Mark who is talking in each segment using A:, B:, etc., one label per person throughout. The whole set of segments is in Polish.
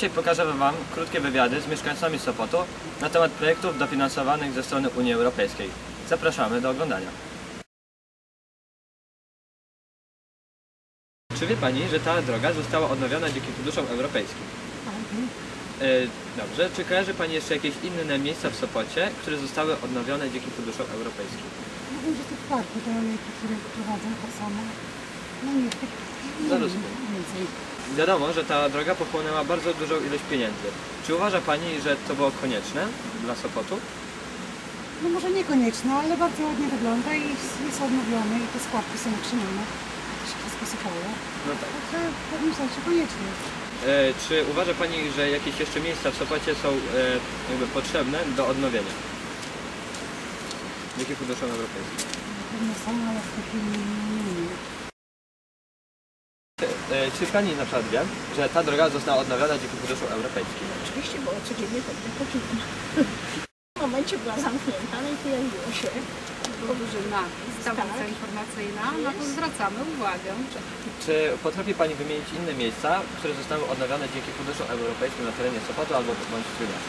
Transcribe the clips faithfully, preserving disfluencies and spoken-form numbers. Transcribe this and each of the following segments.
A: Dzisiaj pokażemy Wam krótkie wywiady z mieszkańcami Sopotu na temat projektów dofinansowanych ze strony Unii Europejskiej. Zapraszamy do oglądania. Czy wie Pani, że ta droga została odnowiona dzięki funduszom europejskim? E, dobrze. Czy kojarzy Pani jeszcze jakieś inne miejsca w Sopocie, które zostały odnowione dzięki funduszom europejskim?
B: No wiem, że to w parku te olejki, które prowadzą to samo. No nie, tak
A: No rozumiem.
B: więcej.
A: Wiadomo, że ta droga pochłonęła bardzo dużą ilość pieniędzy. Czy uważa Pani, że to było konieczne dla Sopotu?
B: No może niekonieczne, ale bardzo ładnie wygląda i jest odnowione i te składki są utrzymane. To się wszystko sypało.
A: No tak.
B: Także w pewnym sensie koniecznie.
A: E, czy uważa Pani, że jakieś jeszcze miejsca w Sopocie są e, jakby potrzebne do odnowienia? Dzięki funduszom europejskim.
B: Pewnie są, ale w tej chwili nie wiem.
A: E, czy Pani na przykład wie, że ta droga została odnowiona dzięki funduszom europejskim?
C: Oczywiście, bo codziennie chodzę po kilku. W momencie była zamknięta, no i pojawiło się
D: Drużyna, tablica
C: Tak.
D: informacyjna, na to zwracamy uwagę.
A: Czy potrafi Pani wymienić inne miejsca, które zostały odnowione dzięki funduszom europejskim na terenie Sopotu albo bądź Trójmiasta?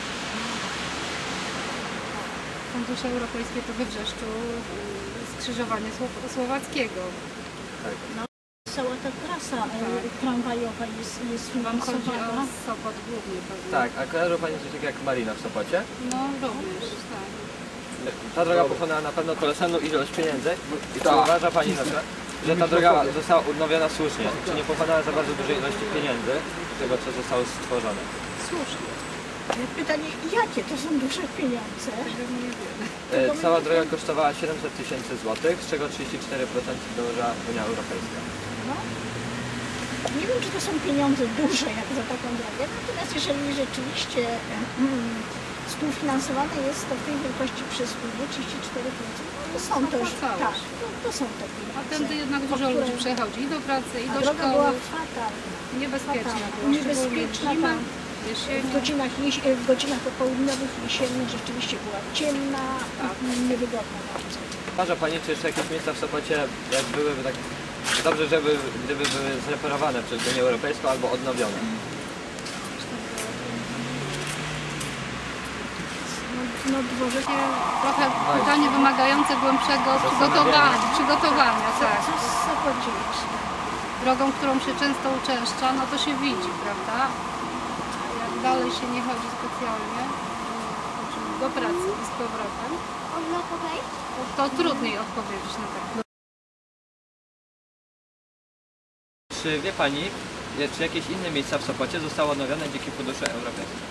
D: Fundusze europejskie to we Wrzeszczu y, skrzyżowanie Słow Słowackiego.
A: Tak.
C: cała ta trasa e, tramwajowa jest, jest
D: Wam chodzi o
C: finansowana.
D: Sopot głównie pewnie.
A: Tak, a kojarzą Pani coś takiego jak Marina w Sopocie?
D: No również, tak.
A: Ta droga pochłonęła na pewno kolosalną ilość pieniędzy. I czy uważa Pani na przykład, że ta droga została odnowiona słusznie? Czy nie pochłonęła za bardzo dużej ilości pieniędzy z tego, co zostało stworzone?
C: Słusznie. Pytanie, jakie to są duże pieniądze?
D: Tego nie wiemy.
A: E, Cała droga kosztowała siedemset tysięcy złotych, z czego trzydzieści cztery procent dołożyła Unia Europejska.
C: No. Nie wiem, czy to są pieniądze duże jak za taką drogę, natomiast jeżeli rzeczywiście mm, współfinansowane jest to w tej wielkości przez Unię trzydzieści cztery procent, no to są to, już,
D: Opłacało
C: tak,
D: się.
C: to, to są te pieniądze.
D: A tędy jednak dużo
C: które-
D: ludzi przechodzi i do pracy, i
C: A
D: do
C: droga
D: szkoły.
C: była fatalna.
D: Niebezpieczna
C: fatalna.
D: była,
C: Niebezpieczna,
D: szczególnie zimę,
C: tak. W
D: jesienią.
C: godzinach, jeś- w godzinach popołudniowych, jesiennych rzeczywiście była ciemna,
D: Tak.
C: niewygodna bardzo.
A: Uważa Pani, czy jeszcze jakieś miejsca w Sopocie, jak byłyby tak dobrze, żeby gdyby były zreparowane przez Unię Europejską albo odnowione?
C: No, no dworzec,
D: Takie trochę pytanie wymagające głębszego przygotowania, przygotowania,
C: co,
D: tak.
C: co zapowiedzieć?
D: Drogą, którą się często uczęszcza, no to się widzi, prawda? Jak dalej się nie chodzi specjalnie, czyli do pracy i z powrotem, to, to trudniej odpowiedzieć na tak.
A: Czy wie Pani, czy jakieś inne miejsca w Sopocie zostały odnowione dzięki funduszom europejskim?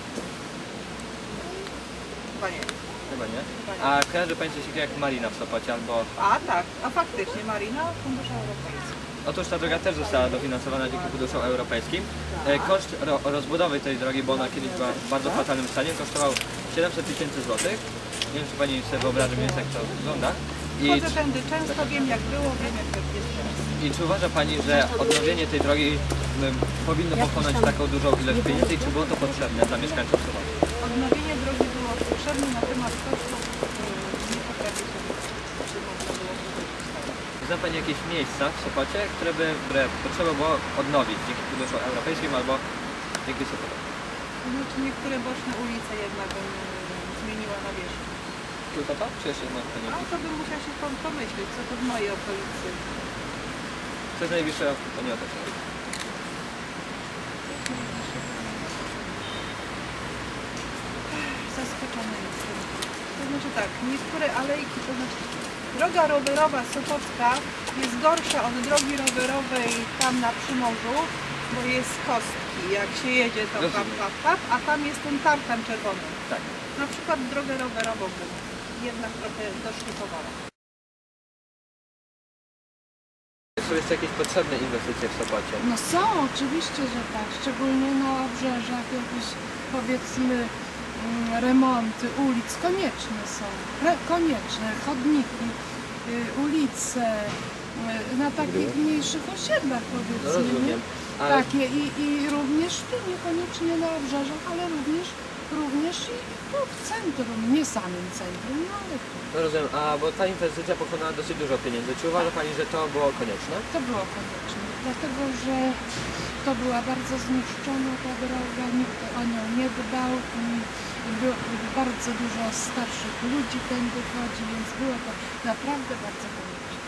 E: Chyba nie.
A: Chyba nie. A kojarzy Pani coś takiego jak Marina w Sopocie albo...
E: A tak, a faktycznie Marina, fundusze europejskie.
A: Otóż ta droga też została dofinansowana dzięki funduszom europejskim. E, Koszt ro rozbudowy tej drogi, bo ona kiedyś była w bardzo fatalnym stanie, kosztował siedemset tysięcy złotych. Nie wiem, czy Pani sobie wyobraża mniej więcej, jak to wygląda. I
E: Chodzę
A: czy,
E: tędy często, wiem jak było, wiem jak to jest teraz.
A: I czy uważa Pani, że odnowienie tej drogi m, powinno pochłonąć taką dużą ilość pieniędzy i czy było to potrzebne dla mieszkańców Sopotu?
E: Odnowienie drogi było potrzebne, natomiast kosztów yy, nie potrafię sobie, czy można było wykorzystać.
A: Zna Pani jakieś miejsca w Sopocie, które by które potrzeba było odnowić dzięki funduszom europejskim albo dzięki Sopotowi?
E: Znaczy niektóre boczne ulice jednak bym yy, zmieniła na wierzchu.
A: Tylko to? Czy jeszcze ma Pani
E: A
A: jakieś?
E: to bym musiała się pom- pomyśleć, co to w mojej okolicy.
A: Co jest najbliższe Pani otoczenie?
E: Zaskoczona jestem. To znaczy tak, niektóre alejki, to znaczy droga rowerowa Sopocka jest gorsza od drogi rowerowej tam na Przymorzu, bo jest z kostki. Jak się jedzie to pap,
A: Rozumiem.
E: pap, pap, a tam jest ten tartan czerwony.
A: Tak.
E: Na przykład drogę rowerową bym jednak trochę doszlifowała.
F: Są jeszcze jakieś potrzebne inwestycje w Sopocie?
B: No są, oczywiście, że tak. Szczególnie na obrzeżach jakieś, powiedzmy, mm, remonty ulic konieczne są. Re, konieczne. Chodniki, y, ulice, y, na takich mniejszych osiedlach,
F: No
B: powiedzmy. nie?
F: rozumiem. A
B: Takie i, i również tu, niekoniecznie na obrzeżach, ale również, również i tu w centrum, nie samym centrum, no ale tu.
F: no rozumiem, a bo ta inwestycja pochłonęła dosyć dużo pieniędzy. Czy uważa Pani, że to było konieczne?
B: To było konieczne, dlatego że to była bardzo zniszczona ta droga, nikt o nią nie dbał i było bardzo dużo starszych ludzi tędy chodzi, więc było to naprawdę bardzo konieczne.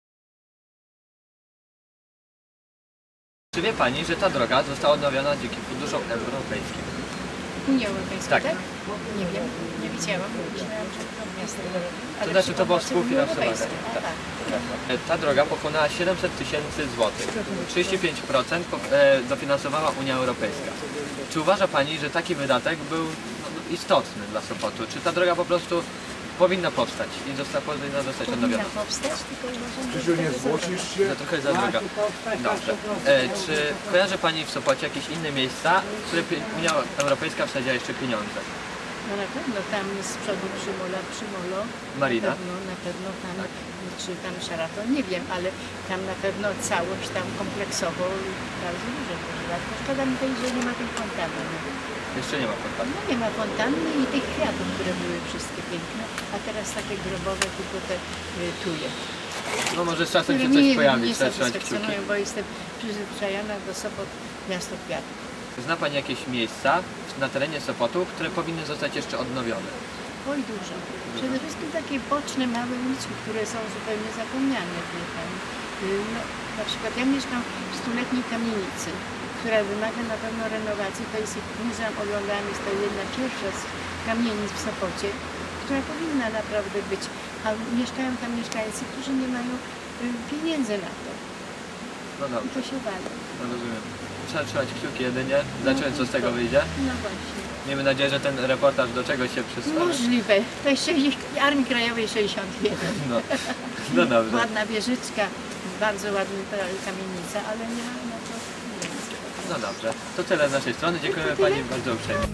A: Czy wie Pani, że ta droga została odnowiona dzięki funduszom europejskim?
G: Unii Europejskiej,
A: Tak.
G: tak? Nie wiem, nie widziałam. Myślałam, że to miasto.
A: To znaczy to było współfinansowane.
G: A,
A: Tak.
G: tak.
A: Ta droga pokonała siedemset tysięcy złotych. trzydzieści pięć procent po- e, dofinansowała Unia Europejska. Czy uważa Pani, że taki wydatek był no, istotny dla Sopotu? Czy ta droga po prostu powinna powstać i została powinna zostać odnowiona?
G: Powinna powstać, tylko uważam, że
H: Krzysiu, nie zgłosisz się?
A: No trochę za droga. Dobrze. E, czy kojarzy Pani w Sopocie jakieś inne miejsca, w które pie- Unia Europejska wsadziła jeszcze pieniądze?
G: No na pewno tam z przodu Przymola, Przymolo.
A: Marina?
G: Na pewno, na pewno tam, czy tam Sheraton, nie wiem, ale tam na pewno całość tam kompleksowo bardzo dużo pożywa. Tylko szkoda mi tej, że nie ma tej fontanny.
A: Jeszcze nie ma kontaktu.
G: No nie ma fontanny i tych kwiatów, które były wszystkie piękne, a teraz takie grobowe, tylko te y, tuje.
A: No może z czasem się
G: Które
A: coś
G: mnie
A: pojawi,
G: nie
A: trzeba trzymać kciuki.
G: satysfakcjonują, bo jestem przyzwyczajona do Sopot, miasto kwiatów.
A: Zna Pani jakieś miejsca na terenie Sopotu, które powinny zostać jeszcze odnowione?
G: Oj, dużo. Przede wszystkim takie boczne, małe uliczki, które są zupełnie zapomniane. Wie pani. Y, No, na przykład ja mieszkam w stuletniej kamienicy, która wymaga na pewno renowacji. To jest muzeum oglądałam, jest to jedna pierwsza z kamienic w Sopocie, która powinna naprawdę być. A mieszkają tam mieszkańcy, którzy nie mają y, pieniędzy na to.
A: No
G: I
A: dobrze,
G: to się wali.
A: no rozumiem. Trzeba trzymać kciuki jedynie, zobaczymy co z tego wyjdzie.
G: No właśnie.
A: Miejmy nadzieję, że ten reportaż do czegoś się przysłał.
G: Możliwe. To jest sześćdziesiąt Armii Krajowej sześćdziesiąt jeden.
A: No, no dobrze.
G: Ładna wieżyczka, bardzo ładna ta kamienica, ale nie ma na to pieniędzy.
A: No dobrze. To tyle z naszej strony. Dziękujemy Pani bardzo uprzejmie.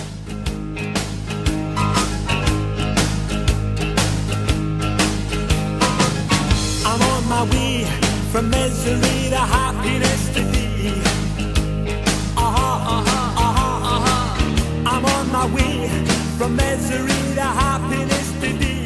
I: I'm on my way from misery to happiness today. Uh-huh, uh-huh, uh-huh, uh-huh. I'm on my way from misery to happiness today.